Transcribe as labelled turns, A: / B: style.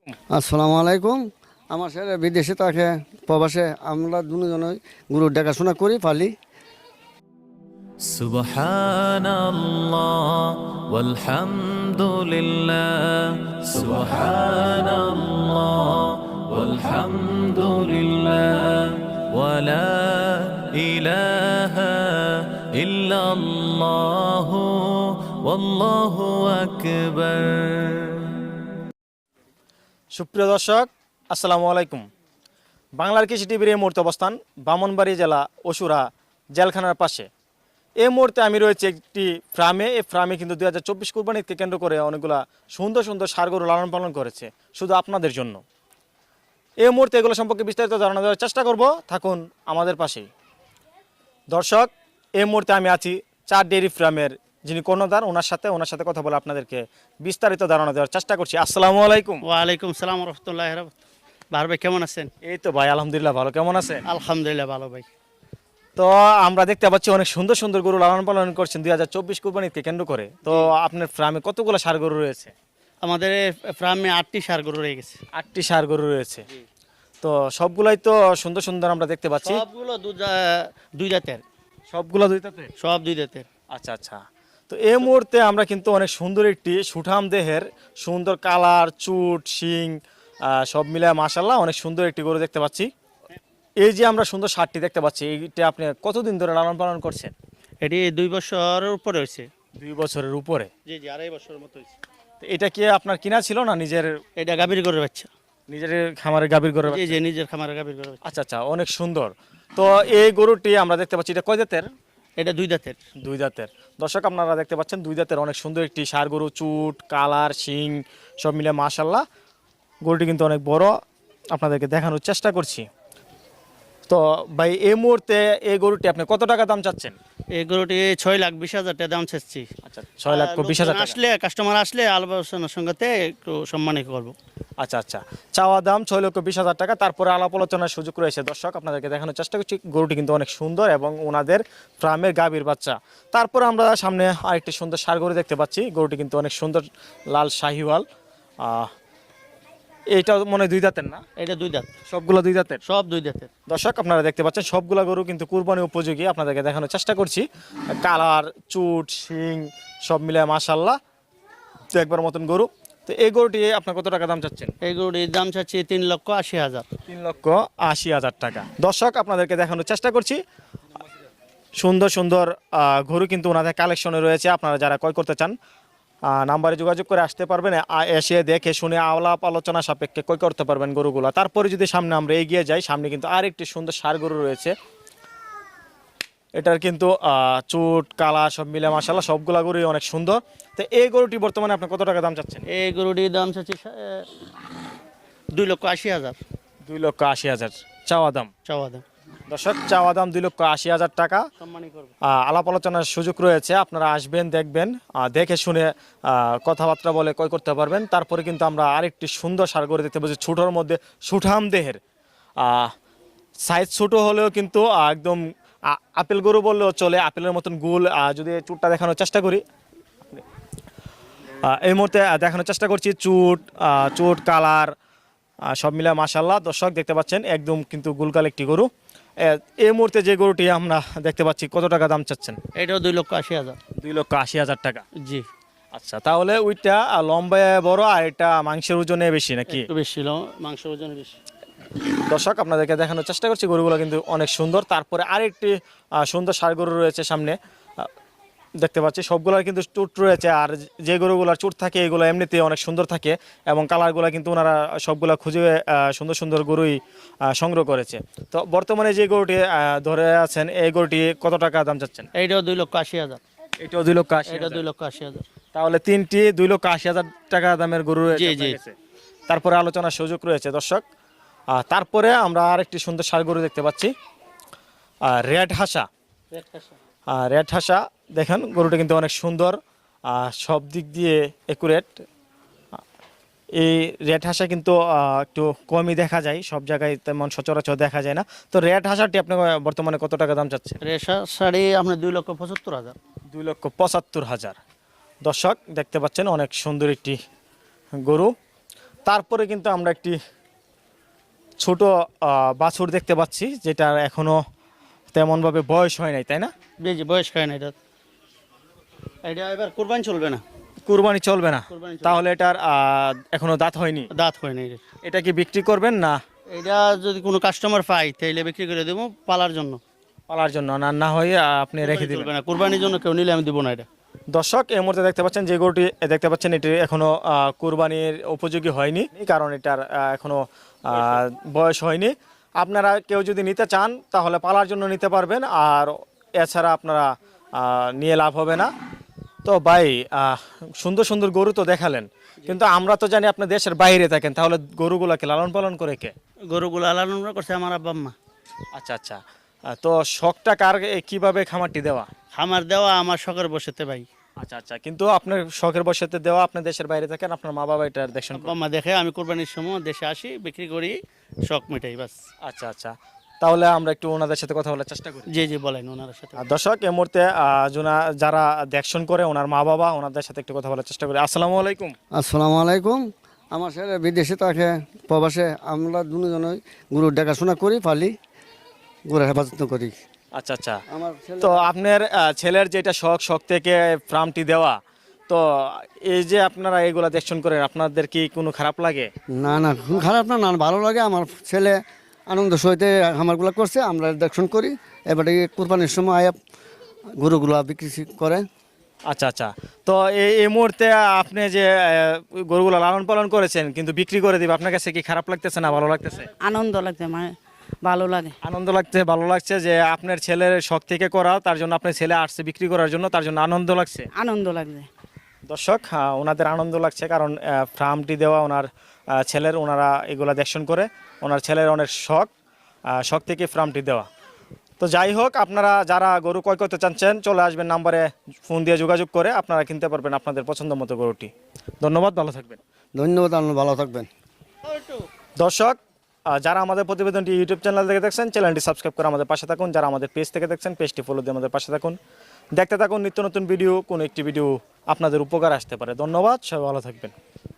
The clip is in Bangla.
A: আসসালামু আলাইকুম। আমার ছেলে বিদেশে থাকে, প্রবাসে। আমরা দুজনই গরুর দেখাশোনা করি, পালি।
B: সুবহানাল্লাহ ওয়ালহামদুলিল্লাহ সুবহানাল্লাহ ওয়ালহামদুলিল্লাহ ওয়ালা ইলাহা ইল্লাল্লাহ ওয়াল্লাহু আকবার।
C: সুপ্রিয় দর্শক, আসসালামু আলাইকুম। বাংলার কৃষি টিভির এই মুহূর্তে অবস্থান ব্রাহ্মণবাড়ী জেলা অসুরা জেলখানার পাশে। এই মুহূর্তে আমি রয়েছে একটি ফার্মে। এই ফার্মে কিন্তু 2024 কুরবানিকে কেন্দ্র করে অনেকগুলা সুন্দর সুন্দর ষাঁড় গরু লালন পালন করেছে শুধু আপনাদের জন্য। এই মুহূর্তে এগুলো সম্পর্কে বিস্তারিত ধারণা দেওয়ার চেষ্টা করব, থাকুন আমাদের পাশেই। দর্শক, এই মুহূর্তে আমি আছি চার ডেয়ারি ফার্মের যিনি কর্ণধার, ওনার সাথে কথা বলে আপনাদেরকে বিস্তারিত ধারণা দেওয়ার চেষ্টা করছি। আসসালামু আলাইকুম।
D: ওয়ালাইকুম সালাম রহমতুল্লাহ। ভালো ভাই, কেমন আছেন?
C: এই তো ভাই, আলহামদুলিল্লাহ ভালো। কেমন আছে?
D: আলহামদুলিল্লাহ ভালো ভাই।
C: তো আমরা দেখতে পাচ্ছি অনেক সুন্দর সুন্দর গরু লালন পালন করছেন 2024 কুরবানিকে কেন্দ্র করে। তো আপনার ফার্মে কতগুলো ষাঁড় গরু রয়েছে?
D: আমাদের ফার্মে 8টি ষাঁড় গরু রয়ে গেছে।
C: 8টি ষাঁড় গরু রয়েছে। তো সবগুলাই তো সুন্দর সুন্দর আমরা দেখতে পাচ্ছি।
D: সবগুলো দুই দাঁতের।
C: সবগুলো দুই দাঁতের?
D: সব দুই দাঁতের।
C: আচ্ছা আচ্ছা। তো এই মুহূর্তে আমরা কিন্তু অনেক সুন্দর একটি সুঠাম দেহের, সুন্দর কালার, চুট, শিং সব মিলে মাশাআল্লাহ অনেক সুন্দর একটি গরু দেখতে পাচ্ছি। এই যে আমরা সুন্দর ষাঁড়টি দেখতে পাচ্ছি, এইটা আপনি কতদিন ধরে লালন পালন করছেন?
D: এটি 2 বছরের উপরে হয়েছে।
C: 2 বছরের উপরে?
D: জি জি, 2.5 বছরের মতো হয়েছে।
C: তো এটা কি আপনার কিনা ছিল না নিজের?
D: এটা গাভীর গরুর বাচ্চা।
C: নিজের খামারে গাভীর গরু?
D: জি জি, নিজের খামারে গাভীর গরু।
C: আচ্ছা আচ্ছা, অনেক সুন্দর। তো এই গরুটি আমরা দেখতে পাচ্ছি, এটা কয় জাতের?
D: এটা 2 দাঁতের।
C: 2 দাঁতের। দর্শক, আপনারা দেখতে পাচ্ছেন 2 দাঁতের অনেক সুন্দর একটি ষাঁড় গরু, চুট, কালার, শিং সব মিলে মাশাআল্লাহ। গরুটি কিন্তু অনেক বড়, আপনাদেরকে দেখানোর চেষ্টা করছি। তো ভাই, এই মুহূর্তে এই গরুটি আপনি কত টাকা দাম চাচ্ছেন?
D: এই গরুটি 6,20,000 টাকা দাম চাচ্ছি।
C: আচ্ছা, 6,20,000 টাকা।
D: আসলে কাস্টমার আসলে আলোচনার সঙ্গে একটু সম্মানিত করবো।
C: আচ্ছা আচ্ছা, চাওয়া দাম 6,20,000 টাকা, তারপরে আলাপ আলোচনার সুযোগ রয়েছে। দর্শক, আপনাদেরকে দেখানোর চেষ্টা করছি, গরুটি কিন্তু অনেক সুন্দর এবং ওনাদের ফার্মের গাভীর বাচ্চা। তারপরে আমরা সামনে আরেকটি সুন্দর ষাঁড় গরু দেখতে পাচ্ছি। গরুটি কিন্তু অনেক সুন্দর, লাল শাহিওয়াল। এইটা মনে হয় 2 দাঁতের না?
D: এটা 2 দাঁত।
C: সবগুলো 2 দাঁতের?
D: সব 2 দাঁতের।
C: দর্শক, আপনারা দেখতে পাচ্ছেন সবগুলা গরু কিন্তু কুরবানি উপযোগী। আপনাদেরকে দেখানোর চেষ্টা করছি। কালার, চুট, শিং সব মিলে মাশাআল্লাহ তো একবার মতন গরু। তো এই গরুটি আপনার কত টাকা দাম চাচ্ছেন?
D: এই গরুটির দাম চাচ্ছি 3,80,000।
C: 3,80,000 টাকা। দর্শক, আপনাদেরকে দেখানোর চেষ্টা করছি, সুন্দর সুন্দর গরু কিন্তু ওনাদের কালেকশনে রয়েছে। আপনারা যারা ক্রয় করতে চান নাম্বারে যোগাযোগ করে আসতে পারবেন, এসে দেখে শুনে আলাপ আলোচনা সাপেক্ষে ক্রয় করতে পারবেন গরুগুলো। তারপরে যদি সামনে আমরা এগিয়ে যাই, সামনে কিন্তু আরেকটি সুন্দর ষাঁড় গরু রয়েছে। এটার কিন্তু চুট, কালা সব মিলে মাশাআল্লাহ সবগুলা গরুই অনেক সুন্দর। তো এই গরুটি বর্তমানে আপনি কত টাকা দাম চাচ্ছেন?
D: এই গরুটির দাম চাচ্ছি 2,80,000।
C: 2,80,000 চাওয়া দাম।
D: চাওয়া দাম।
C: দর্শক, চাওয়া দাম 2,80,000 টাকা।
D: সম্মানী করবো।
C: আলাপ আলোচনার সুযোগ রয়েছে। আপনারা আসবেন, দেখবেন, দেখে শুনে কথাবার্তা বলে ক্রয় করতে পারবেন। তারপরে কিন্তু আমরা আরেকটি সুন্দর ষাঁড় গরু দেখতে পাচ্ছি, ছোটোর মধ্যে সুঠাম দেহের, সাইজ ছোটো হলেও কিন্তু একদম আপেল গরু বললেও চলে, আপেলের মতন গুল। যদি চুটটা দেখানোর চেষ্টা করি, এই মুহূর্তে দেখানোর চেষ্টা করছি, চুট, কালার সব মিলে মাশাআল্লাহ। দর্শক, দেখতে পাচ্ছেন একদম কিন্তু গুলকাল একটি গরু। এই মুহূর্তে যে গরুটি আমরা দেখতে পাচ্ছি, কত টাকা দাম চাচ্ছেন?
D: এটাও 2,80,000।
C: 2,80,000 টাকা।
D: জি।
C: আচ্ছা, তাহলে ওইটা লম্বায় বড় আর এটা মাংসের ওজনে বেশি নাকি?
D: একটু বেশি, মাংসের ওজনে বেশি।
C: দর্শক, আপনাদেরকে দেখানোর চেষ্টা করছি, গরুগুলো কিন্তু অনেক সুন্দর। তারপরে আরেকটি সুন্দর ষাঁড় গরু রয়েছে সামনে, দেখতে পাচ্ছি সবগুলোর কিন্তু চুট রয়েছে। আর যে গরুগুলোর চুট থাকে এগুলো এমনিতে অনেক সুন্দর থাকে এবং কালারগুলো কিন্তু ওনারা সবগুলা খুঁজে সুন্দর সুন্দর গরুই সংগ্রহ করেছে। তো বর্তমানে যে গরুটি ধরে আছেন, এই গরুটি কত টাকা দাম চাচ্ছেন?
D: এইটাও 2,80,000।
C: এটাও 2,80,000?
D: এটা 2,80,000।
C: তাহলে তিনটি 2,80,000 টাকা দামের গরু
D: জি জি।
C: তারপরে আলোচনার সুযোগ রয়েছে। দর্শক, তারপরে আমরা আরেকটি সুন্দর ষাঁড় গরু দেখতে পাচ্ছি, রেড হাসা। রেড হাসা, দেখেন গরুটা কিন্তু অনেক সুন্দর, সব দিক দিয়ে একুরেট। এই রেড হাসা কিন্তু একটু কমই দেখা যায়, সব জায়গায় তেমন সচরাচর দেখা যায় না। তো রেড হাসাটি আপনি বর্তমানে কত টাকা দাম চাচ্ছেন?
D: রেশা শাড়ি আপনার 2,75,000।
C: 2,75,000। দর্শক, দেখতে পাচ্ছেন অনেক সুন্দর একটি গরু। তারপরে কিন্তু আমরা একটি ছোট বাছুর দেখতে পাচ্ছি, যেটা এখনো তেমনভাবে বয়স হয় নাই, তাই না?
D: বেশি বয়স হয় না এটা। এটা এবার কোরবানি চলবে না,
C: কুরবানি চলবে না,
D: কুরবানি চলবে
C: তাহলে এটার এখনো দাঁত হয়নি।
D: দাঁত হয় না এটা।
C: এটা কি বিক্রি করবেন না
D: এটা যদি কোনো কাস্টমার পাই তাইলে বিক্রি করে দেবো পালার জন্য।
C: পালার জন্য? না না হয় আপনি রেখে দিবেন?
D: চলবে না, কোরবানির জন্য কেউ নিলে আমি দিব না এটা।
C: দর্শক, এই মুহূর্তে দেখতে পাচ্ছেন যে গরুটি দেখতে পাচ্ছেন, এটি এখনো কুরবানির উপযোগী হয়নি, কারণ এটার এখনো বয়স হয়নি। আপনারা কেউ যদি নিতে চান তাহলে পালার জন্য নিতে পারবেন, আর এছাড়া আপনারা নিয়ে লাভ হবে না। তো ভাই, সুন্দর সুন্দর গরু তো দেখালেন, কিন্তু আমরা তো জানি আপনি দেশের বাইরে থাকেন, তাহলে গরুগুলাকে লালন পালন করে কে?
D: গরুগুলো লালন করছে আমার আব্বা আম্মা।
C: আচ্ছা আচ্ছা, তো শখটা কার, কিভাবে খামারটি দেওয়া?
D: খামার দেওয়া আমার শখের বসেতে ভাই।
C: আচ্ছা আচ্ছা, কিন্তু আপনার শখের বসেতে দেওয়া, আপনি দেশের বাইরে থাকেন, আপনার মা বাবা এটার দেখছেন?
D: আব্বা আম্মা দেখে আমি কোরবানির সময় দেশে আসি, বিক্রি করি, শখ মেটাই বাস।
C: আচ্ছা আচ্ছা, তাহলে আমরা একটু ওনাদের সাথে কথা বলার চেষ্টা করি।
D: জি জি বলেন ওনার সাথে।
C: আর দর্শক, এই মুহূর্তে যারা দেখশন করে ওনার মা বাবা, ওনাদের সাথে একটু কথা বলার চেষ্টা করি। আসসালামু আলাইকুম।
A: আসসালামু আলাইকুম। আমার ছেলে বিদেশে থাকে, প্রবাসে। আমরা দুজনই গরুর দেখাশোনা করি, পালি, গরুর হেফাজত করি।
C: আচ্ছা আচ্ছা,
A: আমার ছেলে
C: তো আপনার ছেলের যেটা শখ থেকে ফার্মটি দেওয়া, তো এই যে আপনারা এগুলা দেখশন করেন, আপনাদের কি কোনো খারাপ লাগে?
A: না না, খুব খারাপ না, না ভালো লাগে। আমার ছেলে আনন্দ সহিতে খামারগুলো করছে, আমরা দেখশন করি। এবারে কোরবানির সময় আয়া গরুগুলো বিক্রি করে।
C: আচ্ছা আচ্ছা, তো এই মুহূর্তে আপনি যে গরুগুলো লালন পালন করেছেন কিন্তু বিক্রি করে দিবে, আপনার কাছে কি খারাপ লাগতেছে না ভালো লাগতেছে?
E: আনন্দ লাগছে, মানে ভালো লাগে।
C: আনন্দ লাগছে, ভালো লাগছে যে আপনার ছেলের শখ থেকে করা, তার জন্য আপনার ছেলে আসছে বিক্রি করার জন্য, তার জন্য আনন্দ লাগছে।
E: আনন্দ লাগছে।
C: দর্শক, ওনাদের আনন্দ লাগছে, কারণ ফার্মটি দেওয়া ওনার ছেলের, ওনারা এগুলা দেখশন করে, ওনার ছেলের অনেক শখ থেকে ফার্মটি দেওয়া। তো যাই হোক, আপনারা যারা গরু ক্রয় করতে চাচ্ছেন চলে আসবেন, নাম্বারে ফোন দিয়ে যোগাযোগ করে আপনারা কিনতে পারবেন আপনাদের পছন্দ মতো গরুটি। ধন্যবাদ, ভালো থাকবেন।
A: ধন্যবাদ, আপনারা ভালো থাকবেন।
C: দর্শক, যারা আমাদের প্রতিবেদনটি ইউটিউব চ্যানেল থেকে দেখছেন, চ্যানেলটি সাবস্ক্রাইব করে আমাদের পাশে থাকুন। যারা আমাদের পেজ থেকে দেখছেন, পেজটি ফলো দিয়ে আমাদের পাশে থাকুন। দেখতে থাকুন নিত্য নতুন ভিডিও, কোনো একটি ভিডিও আপনাদের উপকার আসতে পারে। ধন্যবাদ, সবাই ভালো থাকবেন।